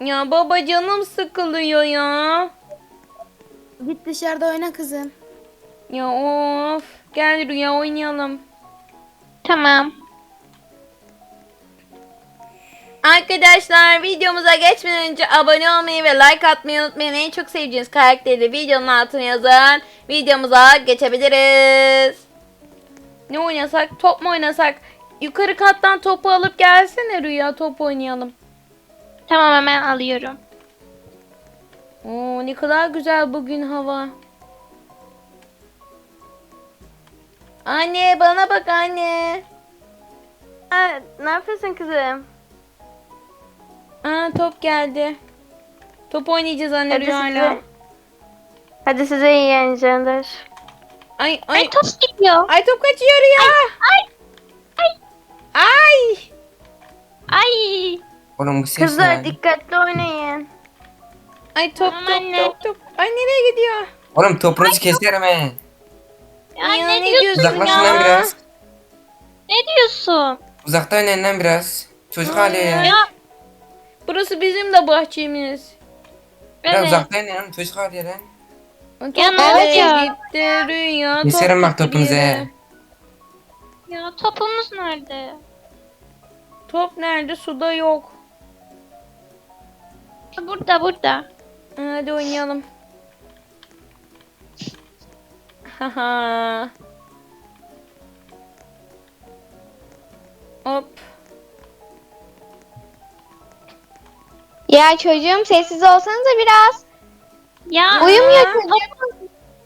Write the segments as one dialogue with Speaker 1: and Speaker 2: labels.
Speaker 1: Ya baba canım sıkılıyor ya.
Speaker 2: Git dışarıda oyna kızım.
Speaker 1: Ya of. Gel Rüya oynayalım.
Speaker 3: Tamam.
Speaker 1: Arkadaşlar videomuza geçmeden önce abone olmayı ve like atmayı unutmayın. En çok sevdiğiniz karakteri de videonun altına yazın. Videomuza geçebiliriz. Ne oynasak? Top mu oynasak? Yukarı kattan topu alıp gelsene Rüya, top oynayalım.
Speaker 3: Tamam, hemen alıyorum.
Speaker 1: Oo, ne kadar güzel bugün hava. Anne bana bak anne.
Speaker 3: Ne yapıyorsun kızım?
Speaker 1: Aa, top geldi. Top oynayacağız anne
Speaker 3: Hadi
Speaker 1: Rüya'yla.
Speaker 3: size. Hadi size iyi eğlenceler.
Speaker 1: Ay
Speaker 3: Ay top gidiyor.
Speaker 1: Ay top kaçıyor Rüya.
Speaker 3: Ay. Ay.
Speaker 1: Ay.
Speaker 3: Ay.
Speaker 4: Oğlum bu ses
Speaker 3: Kızlar
Speaker 4: ne?
Speaker 3: dikkatli oynayın.
Speaker 1: Ay top
Speaker 3: Tamam
Speaker 1: top
Speaker 3: anne.
Speaker 1: top. Ay nereye gidiyor?
Speaker 4: Oğlum topunuzu keserim he.
Speaker 3: Ya,
Speaker 1: Ya,
Speaker 3: ne
Speaker 1: ne
Speaker 3: diyorsun
Speaker 1: diyorsun
Speaker 4: Uzaklaşın
Speaker 3: ya?
Speaker 4: lan biraz.
Speaker 3: Ne diyorsun?
Speaker 4: Uzakta oynayın lan biraz. Çocuk hali ya.
Speaker 3: Ya
Speaker 1: Burası bizim de bahçemiz.
Speaker 4: Biraz
Speaker 3: evet.
Speaker 4: uzakta oynayın lan, çocuk hali ya lan.
Speaker 1: Top
Speaker 3: Ya, ne
Speaker 1: nereye
Speaker 3: oluyor?
Speaker 1: gitti Rüya?
Speaker 4: Keserim bak
Speaker 1: gitti
Speaker 4: topunuzu
Speaker 1: bir yere.
Speaker 4: he.
Speaker 3: Ya topumuz nerede?
Speaker 1: Top nerede? Suda yok.
Speaker 3: Burada.
Speaker 1: Hadi oynayalım. Haha. Hop.
Speaker 5: Ya çocuğum sessiz olsanıza biraz.
Speaker 3: Ya
Speaker 5: Uyumuyor
Speaker 3: top-
Speaker 5: çocuğum.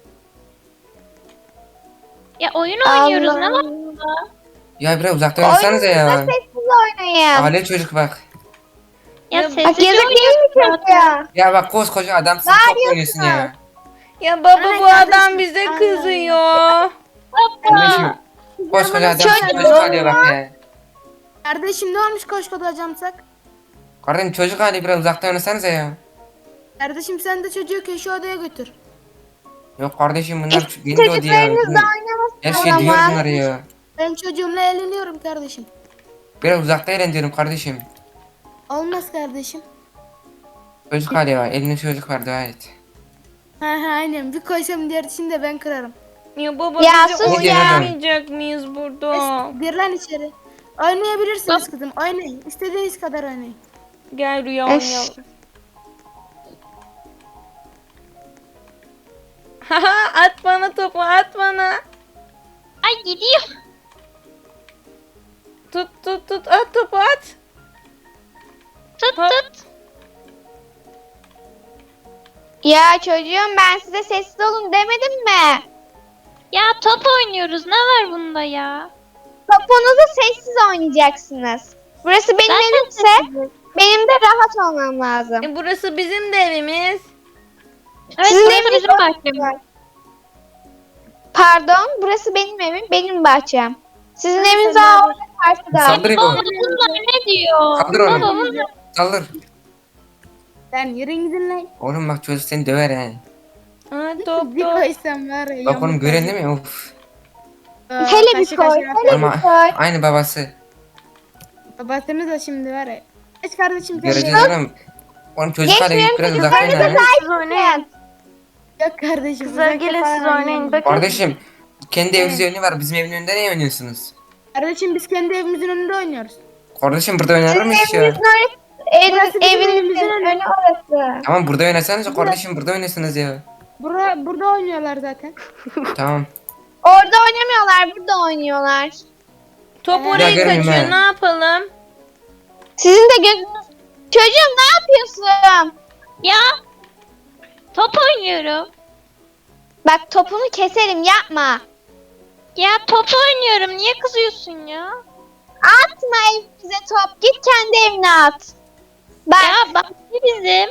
Speaker 3: Ya oyun oynuyoruz, ne
Speaker 5: Allah.
Speaker 3: var bunda?
Speaker 4: Ya biraz uzakta oynasanıza ya.
Speaker 5: Oyununuzda sessiz oynayın.
Speaker 4: Hali çocuk bak.
Speaker 3: Ya
Speaker 1: Ya,
Speaker 5: Bak
Speaker 3: sessizce
Speaker 5: yazık değil mi
Speaker 3: oynuyoruz
Speaker 5: çocuğa?
Speaker 4: Ya bak koskoca adamsın, top oynuyorsun ya.
Speaker 1: Ya baba
Speaker 2: Ana
Speaker 1: bu adam
Speaker 2: kardeşim,
Speaker 1: bize
Speaker 2: ana.
Speaker 1: kızıyor.
Speaker 4: Kardeşim koskoca adamsın,
Speaker 5: Çocuk
Speaker 4: çocuk hali bak ya.
Speaker 2: Kardeşim ne olmuş koşkoda camsak?
Speaker 4: Kardeşim çocuk hali, biraz uzakta oynasanıza ya.
Speaker 2: Kardeşim sen de çocuğu köşe odaya götür.
Speaker 4: Yok kardeşim bunlar beni de odiyor.
Speaker 5: Çocuklarınızla
Speaker 4: Her
Speaker 5: oynamasın
Speaker 4: şey
Speaker 5: o
Speaker 4: diyor
Speaker 5: zaman.
Speaker 4: bunları ya.
Speaker 2: Ben çocuğumla eğleniyorum kardeşim.
Speaker 4: Biraz uzakta eğlen diyorum kardeşim.
Speaker 2: Olmaz kardeşim.
Speaker 4: Çocuk hali var, elinde çocuk var, dua et.
Speaker 2: Ha aynen bir koysam diğerini de ben kırarım.
Speaker 1: Ya baba
Speaker 5: Ya
Speaker 1: bize
Speaker 5: sus
Speaker 4: ya.
Speaker 1: oynamayacak mıyız burada?
Speaker 2: Gir lan içeri. Oynayabilirsiniz kızım oynayın. İstediğiniz kadar oynayın.
Speaker 1: Gel Rüya
Speaker 5: Öf.
Speaker 1: oynayalım. Haha, at bana topu, at bana.
Speaker 3: Ay gidiyor.
Speaker 1: Tut at topu at.
Speaker 3: Tut
Speaker 1: Ha.
Speaker 3: tut.
Speaker 5: Ya çocuğum ben size sessiz olun demedim mi?
Speaker 3: Ya top oynuyoruz, ne var bunda ya?
Speaker 5: Topunuzu sessiz oynayacaksınız. Burası benim
Speaker 3: Zaten
Speaker 5: evimse benim de rahat olmam lazım.
Speaker 1: Burası bizim de evimiz.
Speaker 3: Evet,
Speaker 5: Sizin
Speaker 3: burası
Speaker 5: eviniz
Speaker 3: bizim
Speaker 5: orada.
Speaker 3: bahçemiz.
Speaker 5: Pardon, burası benim evim, benim bahçem. Sizin
Speaker 2: Hadi
Speaker 5: eviniz
Speaker 2: sen
Speaker 5: daha
Speaker 2: de
Speaker 5: orada karşıda.
Speaker 4: Saldır
Speaker 3: Baba
Speaker 4: bu.
Speaker 3: bunlar ne diyor?
Speaker 4: Kaldır onu.
Speaker 3: Baba bunlar.
Speaker 4: Saldır.
Speaker 2: Sen yürüyün gidin lan.
Speaker 4: Oğlum bak çocuk seni döver he.
Speaker 1: Ha, top
Speaker 2: Bir
Speaker 1: top.
Speaker 2: koysam var ya.
Speaker 4: Bak oğlum
Speaker 2: yamuk
Speaker 4: gören
Speaker 2: olur.
Speaker 4: değil mi? Of.
Speaker 5: Hele bir
Speaker 2: Kaşı
Speaker 5: koy,
Speaker 2: kaşına
Speaker 5: hele
Speaker 4: Ama
Speaker 5: bir koy.
Speaker 4: aynı babası.
Speaker 2: Babasını da şimdi var ya. Geç kardeşim sen de.
Speaker 4: Göreceğiz oğlum. Oğlum çocuk hali
Speaker 5: Geçmiyorum,
Speaker 4: biraz uzakta
Speaker 5: çocuklarınıza
Speaker 4: oyna.
Speaker 3: Siz oynayın.
Speaker 2: Yok kardeşim.
Speaker 3: Kızlar
Speaker 2: uzakta
Speaker 3: gelin
Speaker 2: falan
Speaker 3: siz oynayın.
Speaker 2: oynayalım.
Speaker 3: Bakın.
Speaker 4: Kardeşim kendi evinizde önü var. Bizim evin önünde ne oynuyorsunuz?
Speaker 2: Kardeşim biz kendi evimizin önünde oynuyoruz.
Speaker 4: Kardeşim burada oynanır mı hiç ya?
Speaker 5: Evinizin
Speaker 2: Burası bizim
Speaker 5: evinizin
Speaker 2: evimizin önü.
Speaker 5: önü orası.
Speaker 4: Tamam burada oynasanız kardeşim, burada oynasınız ya.
Speaker 2: Burada oynuyorlar zaten.
Speaker 4: Tamam.
Speaker 5: Orada oynamıyorlar, burada oynuyorlar.
Speaker 1: Top
Speaker 4: Ya
Speaker 1: oraya
Speaker 4: görmeyeyim
Speaker 1: kaçıyor.
Speaker 4: ben.
Speaker 1: Ne yapalım?
Speaker 5: Sizin de gözünüz... Çocuğum ne yapıyorsun?
Speaker 3: Ya top oynuyorum.
Speaker 5: Bak topunu keserim, yapma.
Speaker 3: Ya top oynuyorum. Niye kızıyorsun ya?
Speaker 5: Atma evimize top, git kendi evine at. Bak,
Speaker 3: Ya bahçe bizim.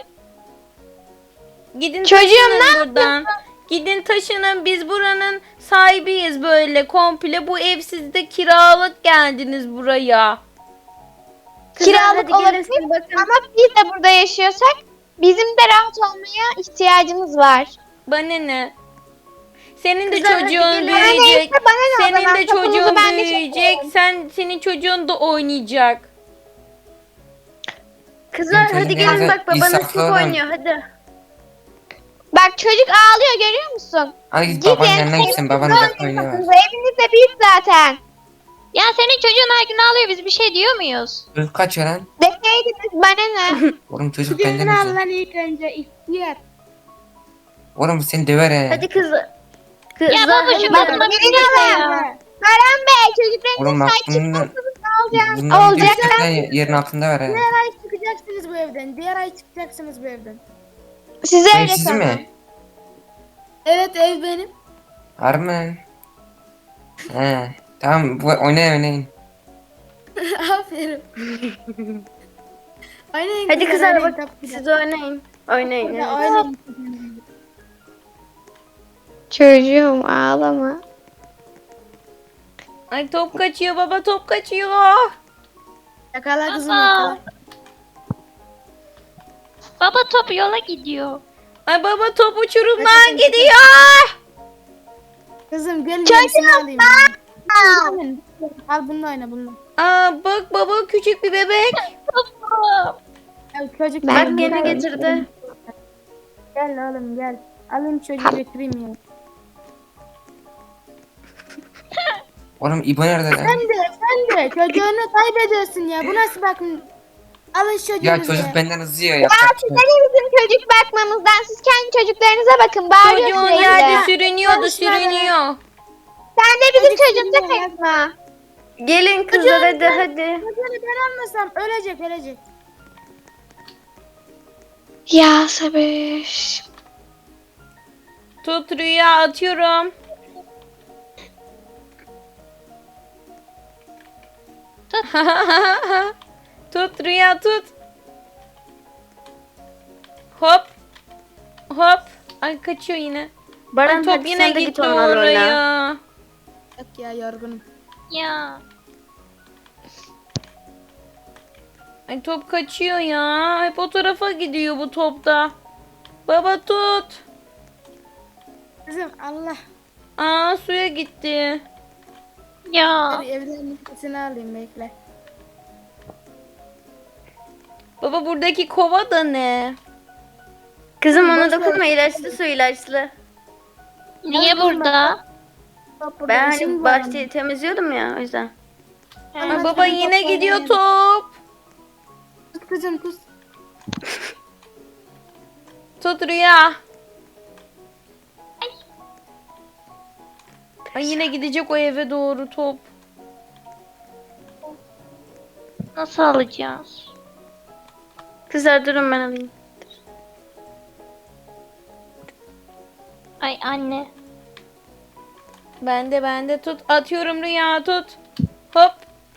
Speaker 1: Gidin
Speaker 5: Çocuğum,
Speaker 1: taşının
Speaker 5: ne
Speaker 1: buradan. Gidin taşının, biz buranın sahibiyiz böyle komple. Bu ev sizde kiralık geldiniz buraya.
Speaker 5: kiralık olabilir ama biz de burada yaşıyorsak bizim de rahat olmaya ihtiyacımız var.
Speaker 1: Bana ne? Senin de
Speaker 2: Kızlar, hadi
Speaker 1: çocuğun
Speaker 2: gelin.
Speaker 5: Bana
Speaker 1: büyüyecek.
Speaker 5: neyse bana ne o
Speaker 1: Senin
Speaker 5: zaman,
Speaker 1: de
Speaker 5: topunuzu
Speaker 1: çocuğun
Speaker 5: ben de
Speaker 1: büyüyecek.
Speaker 5: çekerim.
Speaker 1: Senin çocuğun da oynayacak. Kızlar
Speaker 4: Senin
Speaker 1: hadi
Speaker 4: çocuğun
Speaker 1: gelin
Speaker 4: biraz
Speaker 1: bak babanız
Speaker 4: insaflı
Speaker 1: top
Speaker 4: olan.
Speaker 1: oynuyor hadi.
Speaker 5: Bak çocuk ağlıyor görüyor musun?
Speaker 4: Hadi git
Speaker 5: Gidin,
Speaker 4: babanın yanına gitsin. Baban uzakta oynuyor.
Speaker 5: Eviniz de büyük zaten.
Speaker 3: Ya senin çocuğun her gün ağlıyor, biz bir şey diyor muyuz?
Speaker 4: Çocuk kaçıyor lan.
Speaker 5: Deseydiniz bana ne?
Speaker 4: Oğlum çocuk
Speaker 2: Kucağına
Speaker 4: benden
Speaker 2: al
Speaker 4: üzüyor.
Speaker 2: lan ilk önce ihtiyar.
Speaker 4: Oğlum seni döver he.
Speaker 1: Hadi kızlar.
Speaker 3: Ya
Speaker 1: Kızlar
Speaker 3: baba şu
Speaker 1: hadi.
Speaker 3: kadına bir şey de ya.
Speaker 5: Baran Bey çocuklarınıza
Speaker 4: Oğlum bak
Speaker 5: sahip
Speaker 4: bunun
Speaker 5: çıkmazsanız ne olacak?
Speaker 4: bundan
Speaker 5: Olacak.
Speaker 4: gerçekten yerin altında ver he.
Speaker 2: Diğer ay çıkacaksınız bu evden. Diğer ay çıkacaksınız bu evden.
Speaker 5: Size
Speaker 4: Ev
Speaker 5: öyle
Speaker 4: sizin
Speaker 5: tamam.
Speaker 4: mi?
Speaker 2: Evet ev benim.
Speaker 4: Harbi mi lan? He. Tamam oynayın.
Speaker 2: Aferin. Oynayın
Speaker 1: Hadi kızlar
Speaker 2: oynayın,
Speaker 1: bak
Speaker 2: tabii ki de.
Speaker 1: siz oynayın. Oynayın.
Speaker 2: Hadi
Speaker 1: evet.
Speaker 2: oynayın.
Speaker 5: Çocuğum ağlama.
Speaker 1: Ay top kaçıyor baba top kaçıyor.
Speaker 2: Yakala kızım
Speaker 3: Baba.
Speaker 2: yakala.
Speaker 3: Baba top yola gidiyor.
Speaker 1: Ay baba top uçurumdan gidiyor.
Speaker 2: Kızım gel
Speaker 5: Çocuğum,
Speaker 2: yenisini alayım. Ben. Al bununla oyna bununla.
Speaker 1: Aa bak baba küçük bir bebek.
Speaker 3: Baba.
Speaker 2: Ya çocuk
Speaker 5: Ben
Speaker 1: Bak gene
Speaker 5: bunu-
Speaker 1: getirdi.
Speaker 2: Gel oğlum gel. Alayım çocuğu götüreyim ya.
Speaker 4: Oğlum İbo nerede lan?
Speaker 2: Sen de çocuğunu kaybediyorsun ya. Bu nasıl bakın? Alın çocuğunuzu
Speaker 4: Ya çocuk benden hızlı yiyor.
Speaker 5: Ya
Speaker 4: Yapacak bir
Speaker 5: size
Speaker 4: şey yok.
Speaker 5: ne bizim çocuk bakmamızdan siz kendi çocuklarınıza bakın. Bağırıyor
Speaker 1: Çocuğun
Speaker 5: sürekli.
Speaker 1: yerde sürünüyordu
Speaker 2: Konuşma
Speaker 1: sürünüyor.
Speaker 5: Sen de bizim
Speaker 2: Çocuk
Speaker 5: çocuğumuza
Speaker 2: sürünüyor.
Speaker 5: kaçma.
Speaker 1: Gelin kızlar hadi hadi.
Speaker 2: Çocuğunu ben almasam ölecek.
Speaker 5: Ya sabır.
Speaker 1: Tut rüya atıyorum.
Speaker 3: Tut.
Speaker 1: Tut rüya tut. Hop. Hop. Ay kaçıyor yine. Ay, top yine gitti oraya.
Speaker 2: Yok ya yorgunum.
Speaker 3: Ya.
Speaker 1: Ay top kaçıyor ya. Hep o tarafa gidiyor bu topta. Baba tut.
Speaker 2: Kızım Allah.
Speaker 1: Aa suya gitti.
Speaker 3: Ya.
Speaker 2: Hadi evden nefesini alayım bekle.
Speaker 1: Baba buradaki kova da ne? Kızım ona dokunma ilaçlı su ilaçlı.
Speaker 3: Niye burada?
Speaker 2: Top burada,
Speaker 1: Ben
Speaker 2: işim
Speaker 1: hani
Speaker 2: var
Speaker 1: bahçeyi temizliyordum ya o yüzden.
Speaker 3: Ha.
Speaker 1: Ay baba yine gidiyor top.
Speaker 2: ama. Tut kızım tut.
Speaker 1: Tut rüya. Ay yine gidecek o eve doğru top.
Speaker 3: Nasıl alacağız?
Speaker 1: Kızlar durun ben alayım.
Speaker 3: Ay anne.
Speaker 1: Bende tut. Atıyorum rüya tut. Hop.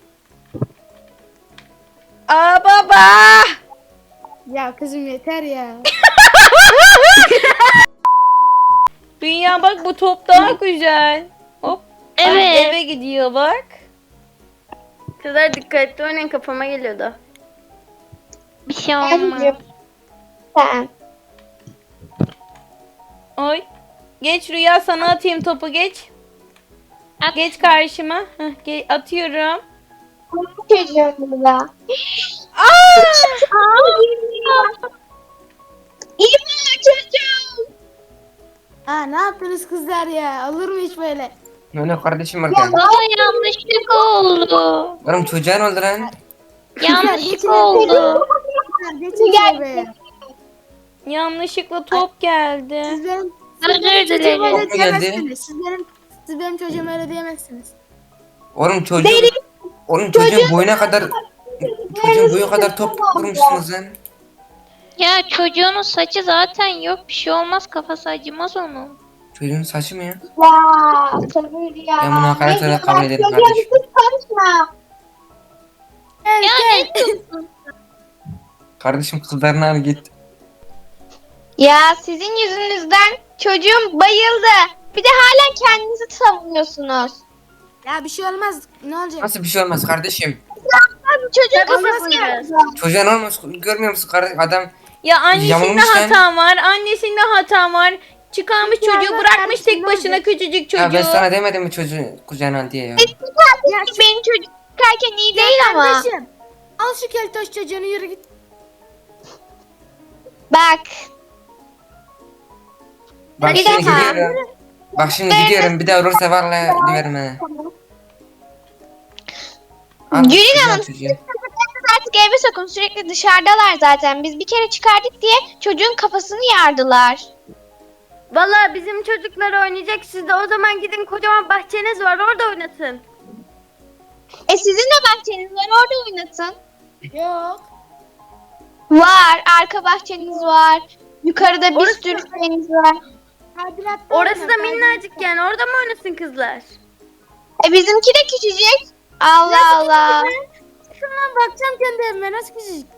Speaker 1: Aa baba.
Speaker 2: Ya kızım yeter ya.
Speaker 1: Rüya bak bu top daha güzel. Hop. Ay,
Speaker 3: Evet.
Speaker 1: eve gidiyor bak. Kızlar dikkatli oynayın kafama geliyordu.
Speaker 3: Bir şey olmaz.
Speaker 5: Sen.
Speaker 1: Oy. Geç Rüya sana atayım topu geç.
Speaker 3: At.
Speaker 1: Geç karşıma. Atıyorum.
Speaker 5: Çocuğumuza.
Speaker 1: Aa!
Speaker 5: İyi mi çocuğum?
Speaker 2: Ha ne yaptınız kızlar ya? Olur mu hiç böyle?
Speaker 4: Ne kardeşim orada?
Speaker 3: Baba yanlışlık oldu.
Speaker 4: Oğlum çocuğa ne oldu lan?
Speaker 3: Yanlışlık oldu.
Speaker 2: Kızlar geçin şuraya.
Speaker 1: Yanlışlıkla top geldi.
Speaker 2: Siz benim
Speaker 3: Özür
Speaker 2: çocuğuma
Speaker 3: dilerim.
Speaker 2: öyle
Speaker 4: Top mu geldi?
Speaker 2: diyemezsiniz. Siz benim çocuğuma öyle diyemezsiniz.
Speaker 4: Oğlum çocuğun boyuna kadar çocuğun boyu kadar top vurmuşsunuz lan.
Speaker 3: Ya çocuğunun saçı zaten yok. Bir şey olmaz, kafası acımaz onun.
Speaker 4: Çocuğun saçı mı ya?
Speaker 5: Ya sabır ya.
Speaker 4: Ben bunu hakaret olarak kabul ederim
Speaker 5: Çocuğum
Speaker 4: kardeşim.
Speaker 5: siz karışma.
Speaker 3: Ya ne diyorsun?
Speaker 4: Kardeşim kızlarını al git.
Speaker 5: Ya sizin yüzünüzden çocuğum bayıldı. Bir de hala kendinizi savunuyorsunuz.
Speaker 2: Ya bir şey olmaz. Ne olacak?
Speaker 4: Nasıl bir şey olmaz kardeşim?
Speaker 5: Abi çocuğun
Speaker 1: Tabii
Speaker 5: kafası
Speaker 1: yapacağız.
Speaker 5: yarıldı.
Speaker 4: Çocuğa ne olmuş görmüyor musun kardeşim? Adam
Speaker 1: Ya annesinde
Speaker 4: Yamulmuş lan.
Speaker 1: hatam var. Annesinde hatam var. Çıkarmış
Speaker 2: Ya
Speaker 1: çocuğu
Speaker 2: bak
Speaker 1: bırakmış
Speaker 2: kardeşim,
Speaker 1: tek
Speaker 2: ne
Speaker 1: başına
Speaker 2: olacak?
Speaker 1: küçücük
Speaker 4: ya ben
Speaker 1: çocuğu.
Speaker 4: sana demedim mi çocuğu kucağına al diye ya.
Speaker 5: Benim çocuk çıkarken iyi değil ama.
Speaker 2: Kardeşim. Al şu keltoş çocuğunu yürü git.
Speaker 5: Bak.
Speaker 4: Bak
Speaker 5: Bir
Speaker 4: şimdi
Speaker 5: daha.
Speaker 4: gidiyorum. Bak şimdi gidiyorum. Bir daha olursa vallahi döverim ha. Al,
Speaker 5: Gülün
Speaker 4: güzel
Speaker 5: Hanım,
Speaker 4: çocuğu.
Speaker 5: çocuklarınız artık eve sokun. Sürekli dışarıdalar zaten. Biz bir kere çıkardık diye çocuğun kafasını yardılar.
Speaker 1: Valla bizim çocuklar oynayacak. Siz de o zaman gidin, kocaman bahçeniz var, orada oynatın.
Speaker 5: Sizin de bahçeniz var, orada oynatın.
Speaker 2: Yok.
Speaker 5: Var, arka bahçeniz var. Yukarıda bir
Speaker 1: Orası-
Speaker 5: sürü şeyiniz var.
Speaker 2: Tadilatta
Speaker 1: Orası
Speaker 2: oyna,
Speaker 1: da
Speaker 2: tadilatta.
Speaker 1: minnacık yani, orada mı oynasın kızlar?
Speaker 5: Bizimki de küçücük. Allah Allah.
Speaker 2: Çıkın lan, bakacağım kendi evime, nasıl küçücük.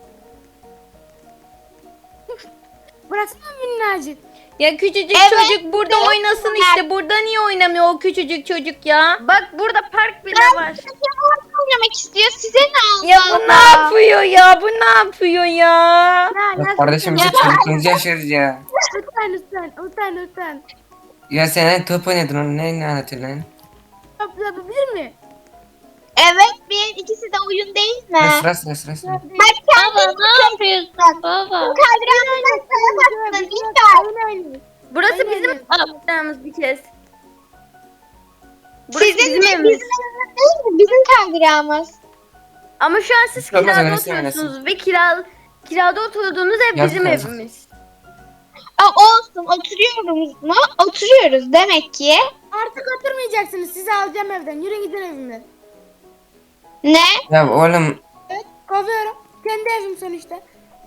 Speaker 2: Bıraksana minnacık.
Speaker 1: Ya küçücük
Speaker 5: Evet,
Speaker 1: çocuk burada
Speaker 5: evet.
Speaker 1: oynasın işte. Burada niye oynamıyor o küçücük çocuk ya? Bak burada park bile var.
Speaker 5: Çocuğum oynamak istiyor. Size ne
Speaker 1: Ya
Speaker 5: Allah
Speaker 1: bu ne
Speaker 5: Allah.
Speaker 1: yapıyor ya? Bu ne yapıyor ya?
Speaker 4: Ya kardeşim biz çocukluğumuzu yaşıyoruz ya.
Speaker 2: Lütfen.
Speaker 4: Ya sen top oynadın onu ne anlatıyorsun lan?
Speaker 2: Yapabilir mi?
Speaker 5: Evet, bir ikisi de oyun değil mi?
Speaker 4: Sıra.
Speaker 5: Bak
Speaker 3: Baba ne yapıyorsun baba?
Speaker 5: Kadranlıktan sana baktın. İlker.
Speaker 2: Oynayın.
Speaker 1: Burası
Speaker 2: Aynen.
Speaker 1: bizim yapacağımız bir kez. Burası
Speaker 5: Sizin
Speaker 1: bizim
Speaker 5: mi?
Speaker 1: evimiz.
Speaker 5: Bizim evimiz değil mi? Bizim kaydıramız.
Speaker 1: Ama şu an siz
Speaker 4: Olmaz,
Speaker 1: kirada
Speaker 4: öylesi
Speaker 1: oturuyorsunuz ve kirada oturduğunuz ev
Speaker 4: Yazık
Speaker 1: bizim
Speaker 4: yazık.
Speaker 1: evimiz.
Speaker 5: Olsun, oturuyoruz mu? Oturuyoruz demek ki.
Speaker 2: Artık oturmayacaksınız. Sizi alacağım evden. Yürüyün gidin evimden.
Speaker 5: Ne?
Speaker 4: Ya oğlum
Speaker 2: Evet, kovuyorum. Kendi evim sonuçta.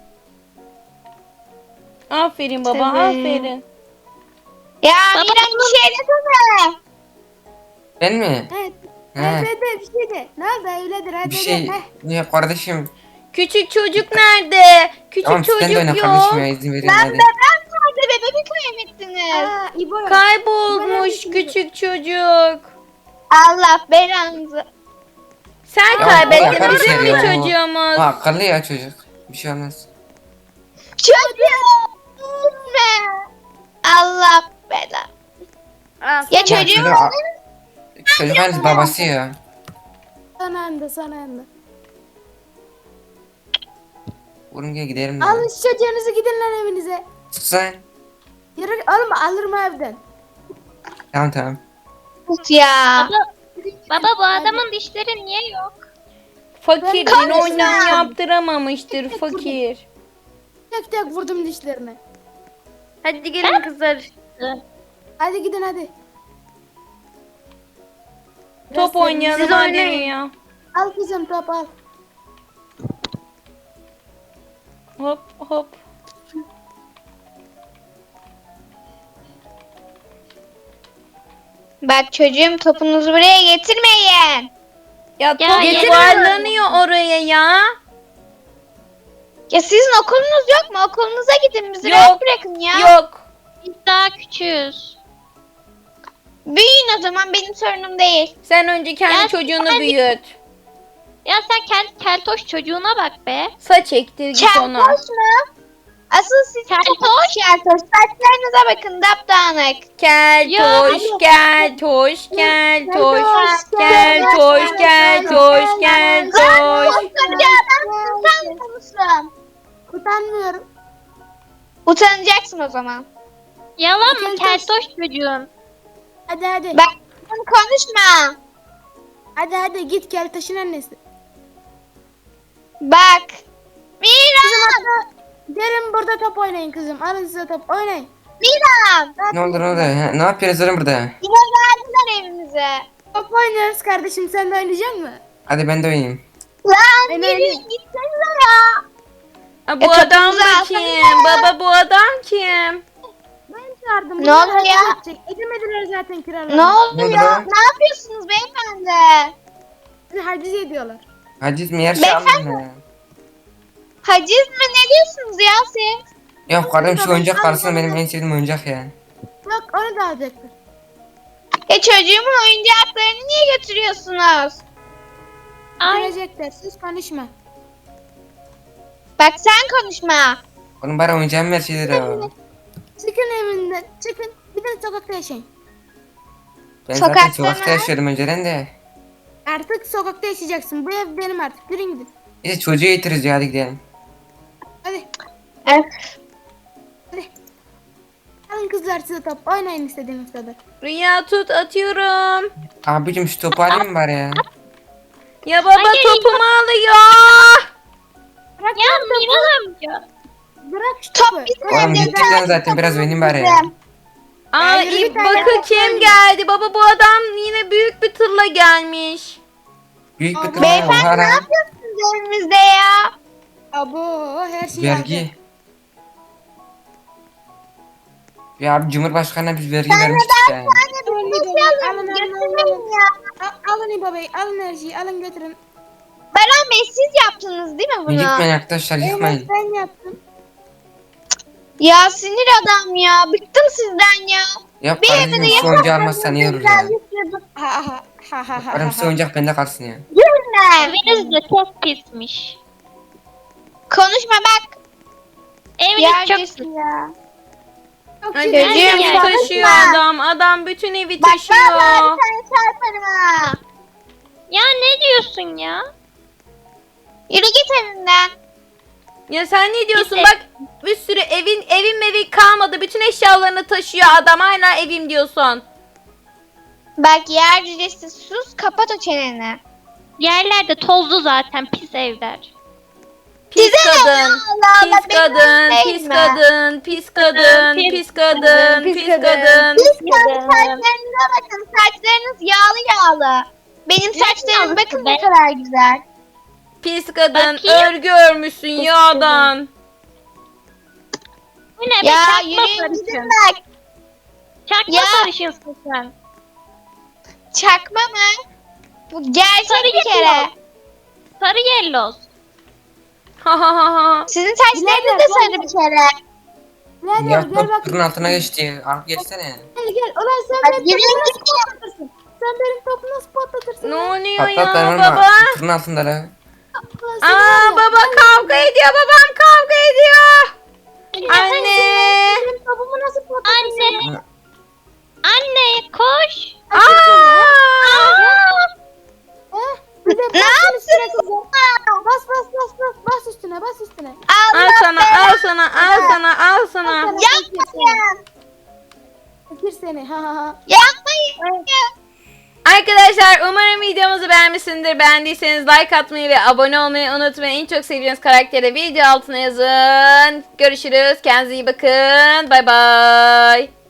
Speaker 1: Aferin baba,
Speaker 5: Tabii.
Speaker 1: aferin.
Speaker 5: Ya
Speaker 3: Baba,
Speaker 5: Miran bir şey desene.
Speaker 4: ben mi?
Speaker 2: Evet.
Speaker 4: He.
Speaker 2: Evet, bir şey de. Nerede öyledir hadi.
Speaker 4: Bir şey.
Speaker 2: Heh.
Speaker 4: Ya kardeşim.
Speaker 1: Küçük çocuk nerede? Küçük
Speaker 4: Tamam sen de
Speaker 1: çocuk
Speaker 4: oyna
Speaker 1: yok.
Speaker 4: kardeşim ya izin verin
Speaker 5: Ben
Speaker 4: hadi.
Speaker 5: bebek nerede? Bebeği kaybettiniz.
Speaker 2: Aa, İbo yok.
Speaker 1: Kaybolmuş küçük çocuk.
Speaker 5: Allah belanızı.
Speaker 1: Sen
Speaker 4: Ya,
Speaker 1: kaybettin,
Speaker 4: yakar
Speaker 1: bizim
Speaker 4: içeri
Speaker 1: bir
Speaker 4: ya.
Speaker 1: çocuğumuz.
Speaker 4: Ha akıllı ya çocuk. Bir şey olmaz.
Speaker 5: Çocuğum. Ne? Allah bela.
Speaker 1: Aa,
Speaker 5: Ya
Speaker 4: Ya
Speaker 5: çocuğum.
Speaker 4: çocuk hani babası ya.
Speaker 2: Sana anda.
Speaker 4: Oğlum gel gidelim ya.
Speaker 2: Alın şu çocuğunuzu gidin lan evinize.
Speaker 4: Sus sen.
Speaker 2: Yürü alma alırım evden.
Speaker 4: Tamam.
Speaker 5: Tut ya.
Speaker 3: Baba bu adamın dişleri niye yok?
Speaker 1: Fakir
Speaker 2: Ben
Speaker 1: yine oynan
Speaker 5: konuşacağım.
Speaker 1: yaptıramamıştır fakir.
Speaker 2: Tek vurdum dişlerine.
Speaker 1: Hadi gelin kızlar.
Speaker 2: Hadi gidin hadi.
Speaker 1: Top oynayalım Siz hadi oynayın. ya.
Speaker 2: Al kızım top al.
Speaker 1: Hop hop.
Speaker 5: Bak çocuğum topunuzu buraya getirmeyin.
Speaker 1: Ya top
Speaker 3: getiriyorum.
Speaker 1: yuvarlanıyor oraya ya.
Speaker 5: Ya sizin okulunuz yok mu? Okulunuza gidin bizi
Speaker 1: Yok,
Speaker 5: rahat bırakın ya.
Speaker 1: Yok.
Speaker 3: Biz daha küçüğüz.
Speaker 5: Büyüyün o zaman benim sorunum değil.
Speaker 1: Sen önce kendi
Speaker 3: Ya
Speaker 1: çocuğunu
Speaker 3: sen-
Speaker 1: büyüt.
Speaker 3: Ya sen kendi keltoş çocuğuna bak be.
Speaker 1: Saç ektir git ona.
Speaker 5: Keltoş mu? Asıl siz keltoş. Saçlarınıza bakın dapdağınık.
Speaker 1: Keltoş, keltoş, keltoş, keltoş, keltoş, keltoş.
Speaker 5: Koskoca adam utanmıyor musun?
Speaker 2: Utanmıyorum.
Speaker 5: Utanacaksın o zaman.
Speaker 3: Yalan mı
Speaker 2: Keltoş.
Speaker 3: keltoş çocuğun?
Speaker 2: Hadi.
Speaker 5: Bak konuşma.
Speaker 2: Hadi git gel taşın annesi.
Speaker 5: Bak. Miran.
Speaker 2: Gelin burada top oynayın kızım. Alın size top oynayın.
Speaker 5: Miran.
Speaker 4: Ne oldu? Ha, ne yapıyoruz oğlum burada?
Speaker 5: Yine geldiler evimize.
Speaker 2: Top oynuyoruz kardeşim, sen de oynayacaksın mı?
Speaker 4: Hadi ben de oynayayım.
Speaker 5: Lan
Speaker 2: Ben
Speaker 5: gelin
Speaker 2: oynayayım.
Speaker 5: gitsenize ya.
Speaker 1: Ha, bu
Speaker 5: E,
Speaker 1: adam
Speaker 5: topunuzu
Speaker 1: da
Speaker 5: alsana
Speaker 1: kim?
Speaker 5: ya.
Speaker 1: Baba bu adam kim?
Speaker 2: Ben çağırdım.
Speaker 5: Ne
Speaker 2: bunlar
Speaker 5: oluyor ya?
Speaker 2: hareket edecek. Edemediler zaten kiralarını.
Speaker 5: Ne oldu
Speaker 4: Ne oldu
Speaker 5: ya?
Speaker 4: lan?
Speaker 5: Ne yapıyorsunuz beyefendi?
Speaker 2: Bizi haciz ediyorlar.
Speaker 4: Haciz mi yer şey
Speaker 5: Beyefendi.
Speaker 4: aldım ya.
Speaker 5: Haciz mi? Ne diyorsunuz ya siz?
Speaker 4: Ya kardeşim şu oyuncak karşısında benim en sevdiğim oyuncak ya.
Speaker 2: Yok onu da alacaktır.
Speaker 5: Çocuğumun oyuncaklarını niye götürüyorsunuz?
Speaker 3: Ay
Speaker 2: Görecekler, siz konuşma.
Speaker 5: Bak sen konuşma.
Speaker 4: Oğlum bari oyuncağımı ver şeyleri ya.
Speaker 2: Çıkın evinden, çıkın. Bir de sokakta yaşayın.
Speaker 4: Ben zaten
Speaker 5: Sokakta
Speaker 4: sokakta
Speaker 5: mı?
Speaker 4: yaşıyordum önceden de.
Speaker 2: Artık sokakta yaşayacaksın. Bu ev benim artık. Yürüyün gidin.
Speaker 4: Neyse çocuğu yetiriz ya hadi gidelim.
Speaker 2: Hadi. kızlar size top. Oynayın istediğiniz kadar.
Speaker 1: Rüya tut, atıyorum.
Speaker 4: Abicim şu topu alayım mı bari ya?
Speaker 1: Ya baba
Speaker 3: Hayır,
Speaker 1: topumu alıyor.
Speaker 2: Bırak
Speaker 3: Ya
Speaker 2: lan topu.
Speaker 3: Miran amca.
Speaker 2: Bırak şu
Speaker 5: Top
Speaker 2: topu.
Speaker 5: bizim
Speaker 4: Oğlum
Speaker 5: evde.
Speaker 4: gittik lan zaten biraz benim bari ya.
Speaker 5: Bizim.
Speaker 1: Ay
Speaker 2: yürü bir tane
Speaker 1: bakın
Speaker 2: top
Speaker 1: kim
Speaker 2: koyayım.
Speaker 1: geldi. Baba bu adam yine büyük bir tırla gelmiş.
Speaker 4: Büyük bir
Speaker 2: Abi,
Speaker 4: tırnak
Speaker 5: Beyefendi
Speaker 4: oha
Speaker 5: ne
Speaker 4: lan.
Speaker 5: yapıyorsunuz evimizde ya?
Speaker 2: Abo her şeyi
Speaker 4: Vergi. Ya abi Cumhurbaşkanı'na biz vergi vermiştik ya.
Speaker 2: aldı. Alın, alın,
Speaker 5: Götürmeyin ya.
Speaker 2: Alın İbo Bey, alın her şeyi, alın götürün.
Speaker 5: Baran Bey siz yaptınız değil mi bunu?
Speaker 4: Yıkmayın arkadaşlar
Speaker 2: Evet
Speaker 4: yıkmayın.
Speaker 2: ben yaptım.
Speaker 5: Ya sinir adam ya. Bıktım sizden ya.
Speaker 4: Yok
Speaker 5: Bir
Speaker 4: kardeşim
Speaker 5: evde
Speaker 4: şu oyuncağı almazsan iyi olur ya.
Speaker 2: Ha ha ha ha ha.
Speaker 4: Karım şu oyuncak bende kalsın ya.
Speaker 5: Gülme.
Speaker 3: Eviniz de çok pismiş.
Speaker 5: Konuşma bak.
Speaker 3: Eviniz çok pis.
Speaker 5: Yerdesin ya.
Speaker 1: Ay,
Speaker 5: Çocuğum,
Speaker 1: bütün evi
Speaker 5: konuşma.
Speaker 1: taşıyor adam. Adam bütün evi
Speaker 5: Bak
Speaker 1: taşıyor.
Speaker 5: vallahi bir tane çarparım ha.
Speaker 3: Ya ne diyorsun ya?
Speaker 5: Yürü git evimden.
Speaker 1: Ya sen ne diyorsun?
Speaker 3: Biz
Speaker 1: Bak bir sürü evin kalmadı. Bütün eşyalarını taşıyor adam. Hala evim diyorsun.
Speaker 5: Bak yer cücesi sus kapat o çeneni.
Speaker 3: Yerlerde tozlu zaten pis evler.
Speaker 1: Pis
Speaker 5: Size ne ya?
Speaker 1: kadın.
Speaker 5: Allah Allah,
Speaker 1: Pis
Speaker 5: benim
Speaker 1: kadın.
Speaker 5: değil
Speaker 1: Pis
Speaker 5: mi?
Speaker 1: kadın. Pis kadın.
Speaker 3: Pis
Speaker 1: Pis kadın.
Speaker 2: pis
Speaker 1: Pis
Speaker 2: kadın.
Speaker 1: kadın.
Speaker 5: Siz kendi saçlarınıza bakın. Saçlarınız yağlı yağlı. Benim saçlarım
Speaker 3: yağlısı
Speaker 5: bakın
Speaker 3: be?
Speaker 5: ne kadar güzel.
Speaker 1: Pis kadın.
Speaker 3: Bakayım.
Speaker 1: Örgü örmüşsün yağdan.
Speaker 3: Bu ne be?
Speaker 5: Ya
Speaker 3: Çakma
Speaker 5: yürüyün gidin
Speaker 3: sarışın.
Speaker 5: bak.
Speaker 3: Çakma
Speaker 5: Ya.
Speaker 3: sarışınsın sen.
Speaker 5: Çakma mı? Bu gerçek
Speaker 3: Sarı
Speaker 5: bir kere.
Speaker 3: yellow. Sarı yelloz.
Speaker 1: Ha ha ha ha.
Speaker 5: Sizin saçlarınız da sarı bir kere.
Speaker 2: Gel
Speaker 4: Ya
Speaker 2: gel gel bak.
Speaker 4: top tırın altına geçti. Al geçsene.
Speaker 2: Gel gel. Ulan sen
Speaker 5: Hadi
Speaker 2: benim
Speaker 5: yürüyün
Speaker 2: topumu nasıl
Speaker 5: gidin.
Speaker 2: patlatırsın? Sen benim topumu nasıl patlatırsın?
Speaker 1: Ne
Speaker 2: lan?
Speaker 1: oluyor ya
Speaker 4: Patlat ben
Speaker 1: baba?
Speaker 4: varma. Tırın altında la.
Speaker 2: Ulan seni var
Speaker 1: Aa
Speaker 2: ya,
Speaker 1: baba
Speaker 2: ben-
Speaker 1: kavga ediyor. Babam kavga ediyor. Anne.
Speaker 2: Benim topumu nasıl patlatırsın?
Speaker 3: Anne. Anne koş.
Speaker 1: Aa.
Speaker 2: Ha? Bir de
Speaker 5: Ne
Speaker 2: bas üstüne
Speaker 5: yaptınız?
Speaker 2: kızım. Bas bas bas bas. Bas üstüne bas üstüne.
Speaker 1: Al
Speaker 5: Allah
Speaker 1: sana, al sana, al sana, al sana.
Speaker 5: yapmayın.
Speaker 2: Fakir seni. Ha ha ha.
Speaker 5: Yapmayın.
Speaker 1: Arkadaşlar umarım videomuzu beğenmişsinizdir. Beğendiyseniz like atmayı ve abone olmayı unutmayın. En çok sevdiğiniz karakteri video altına yazın. Görüşürüz. Kendinize iyi bakın. Bay bay.